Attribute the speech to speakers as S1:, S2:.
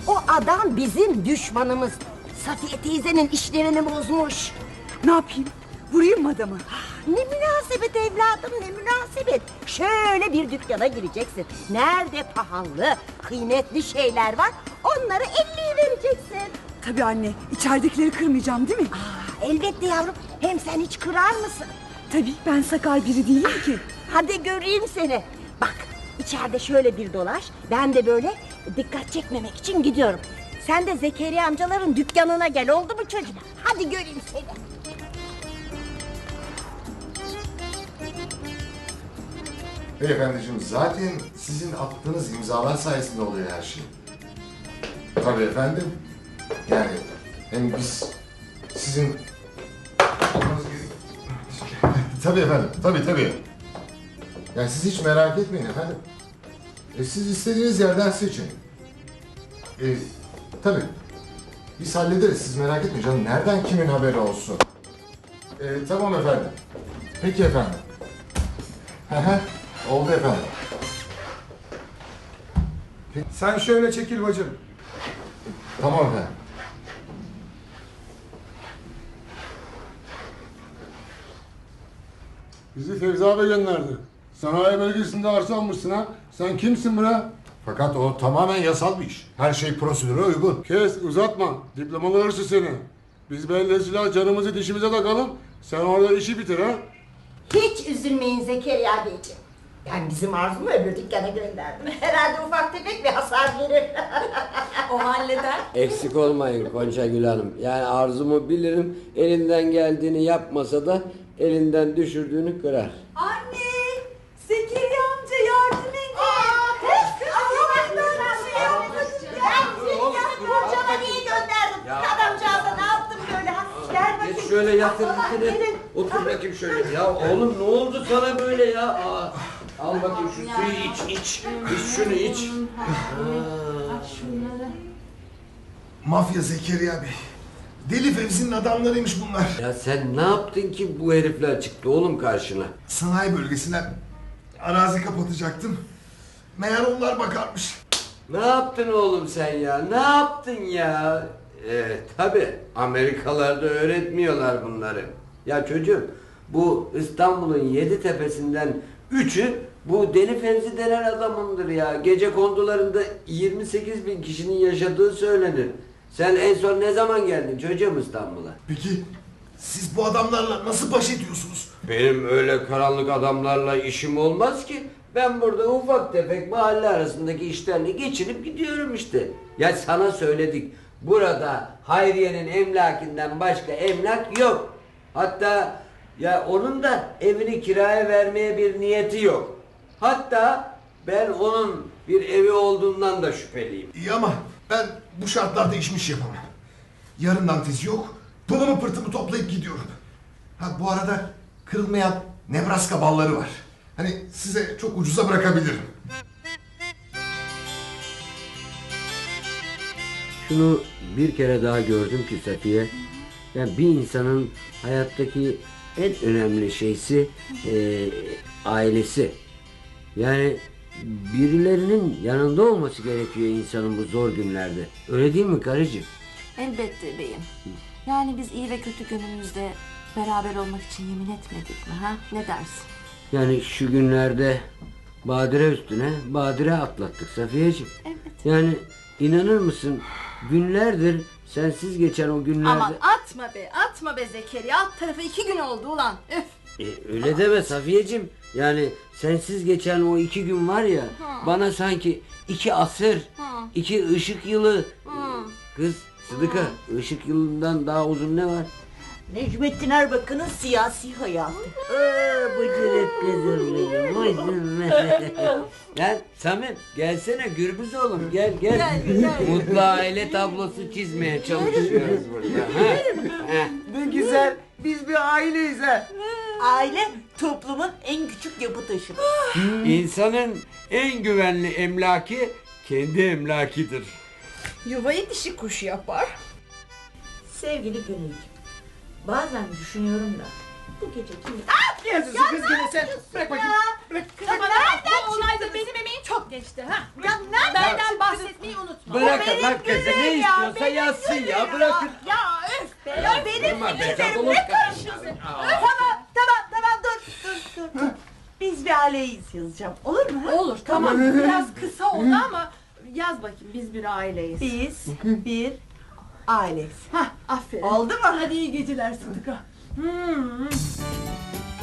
S1: O adam bizim düşmanımız. Safiye teyzenin işlerini bozmuş.
S2: Ne yapayım? Vurayım mı adamı?
S1: Ne münasebet evladım, ne münasebet. Şöyle bir dükkana gireceksin. Nerede pahalı, kıymetli şeyler var, onları 50'ye vereceksin.
S2: Tabii anne. İçeridekileri kırmayacağım değil mi?
S1: Elbette yavrum. Hem sen hiç kırar mısın?
S2: Tabii, ben sakal biri değilim ki.
S1: Hadi göreyim seni. Bak, içeride şöyle bir dolaş. Ben de böyle dikkat çekmemek için gidiyorum. Sen de Zekeriya amcaların dükkanına gel, oldu mu çocuğum? Hadi göreyim seni.
S3: Beyefendiciğim, zaten sizin attığınız imzalar sayesinde oluyor her şey. Tabii efendim. Yani hem biz sizin... Tabii efendim, tabii. Yani siz hiç merak etmeyin efendim. Siz istediğiniz yerden seçin. Tabii. Biz hallederiz, siz merak etmeyin canım. Nereden kimin haberi olsun? Tamam efendim. Peki efendim. Oldu efendim.
S4: Sen şöyle çekil bacım.
S3: Tamam efendim.
S5: Bizi Fevzi abi gönderdi. Sanayi bölgesinde arsa almışsın ha. Sen kimsin bre?
S3: Fakat o tamamen yasal bir iş. Her şey prosedüre uygun.
S5: Kes, uzatma. Diplomalı hırsız seni. Biz bellesiyle canımızı dişimize takalım. Sen orada işi bitir ha.
S1: Hiç üzülmeyin Zekeriya Beyciğim. Ben bizim Arzu'mu öbür dükkana gönderdim. Herhalde ufak tefek bir hasar verir.
S2: O halleder.
S6: Eksik olmayın Gonca Gül Hanım. Yani arzumu bilirim. Elinden geldiğini yapmasa da elinden düşürdüğünü kırar.
S2: Anne! Zekeriya amca yardım edin.
S1: Hocama niye gönderdim? Adamcağıza ne yaptım böyle? Gel bakayım.
S6: Geç şöyle yatır
S1: Allah
S6: dikine.
S1: gelin.
S6: Otur bakayım şöyle. Ya oğlum ne oldu sana böyle ya? Al bakayım şu suyu iç. İç şunu iç.
S3: Mafya Zekeriya Bey. Deli Fevzi'nin adamlarıymış bunlar.
S6: Ya sen ne yaptın ki bu herifler çıktı oğlum karşına?
S3: Sanayi bölgesinden arazi kapatacaktım. Meğer onlar bakarmış.
S6: Ne yaptın oğlum sen ya? Ne yaptın ya? Tabii Amerikalarda öğretmiyorlar bunları. Ya çocuğum bu İstanbul'un 7 tepesinden 3'ü bu Deli Fevzi denen adamındır ya. Gece kondularında 28 bin kişinin yaşadığı söylenir. Sen en son ne zaman geldin çocuğum İstanbul'a?
S3: Peki siz bu adamlarla nasıl baş ediyorsunuz?
S6: Benim öyle karanlık adamlarla işim olmaz ki. Ben burada ufak tefek mahalle arasındaki işlerle geçinip gidiyorum işte. Ya sana söyledik. Burada Hayriye'nin emlakinden başka emlak yok. Hatta ya onun da evini kiraya vermeye bir niyeti yok. Hatta ben onun bir evi olduğundan da şüpheliyim.
S3: İyi ama ben bu şartlarda işmiş yapamam. Yarından tezi yok. Pılımı pırtımı toplayıp gidiyorum. Ha bu arada kırılmayan Nebraska balları var. Hani size çok ucuza bırakabilirim.
S6: Şunu bir kere daha gördüm ki Safiye. Yani bir insanın hayattaki en önemli şeysi ailesi. Yani birilerinin yanında olması gerekiyor insanın bu zor günlerde. Öyle değil mi karıcığım?
S7: Elbette beyim. Yani biz iyi ve kötü günümüzde beraber olmak için yemin etmedik mi ha? Ne dersin?
S6: Yani şu günlerde badire üstüne badire atlattık Safiyeciğim.
S7: Evet.
S6: Yani inanır mısın günlerdir sensiz geçen o günlerde...
S7: Aman atma be Zekeriya. Alt tarafı 2 gün oldu ulan. Üf.
S6: Öyle deme Safiyeciğim. Yani sensiz geçen o 2 gün var ya bana sanki 2 asır, 2 ışık yılı. Kız Sıdıka, ışık yılından daha uzun ne var?
S1: Necmettin Erbakan'ın siyasi hayatı.
S6: Bıcırık kızım benim. Gel Samim gelsene Gürbüz oğlum gel. Mutlu aile tablosu çizmeye çalışıyoruz burada.
S8: Ne güzel. Biz bir aileyiz ha.
S1: Aile toplumun en küçük yapı taşıdır.
S6: İnsanın en güvenli emlaki kendi emlakidir.
S7: Yuvayı dişi kuş yapar.
S1: Sevgili Gönülcüm, bazen düşünüyorum da
S2: Bu gece kim?
S8: Ne yazıyorsun kız gene sen? Bırak bakayım. Bırak.
S2: Kızım nereden bu olayda benim emeğim çok geçti ha. Ya benden bahsetmeyi unutma.
S6: Bırakın lan kızı ne istiyorsa yazsın ya bırakın.
S2: Ya öf be. Ya benim
S6: Durma be,
S2: fikirlerim
S6: çabuk
S2: ne
S6: ol.
S2: karışıyorsun? Tamam dur. Biz bir aileyiz yazacağım. Olur mu? Olur tamam. Biraz kısa oldu ama yaz bakayım biz bir aileyiz. Biz bir aileyiz. Hah aferin. Oldu mu? Hadi iyi geceler Sıdıka.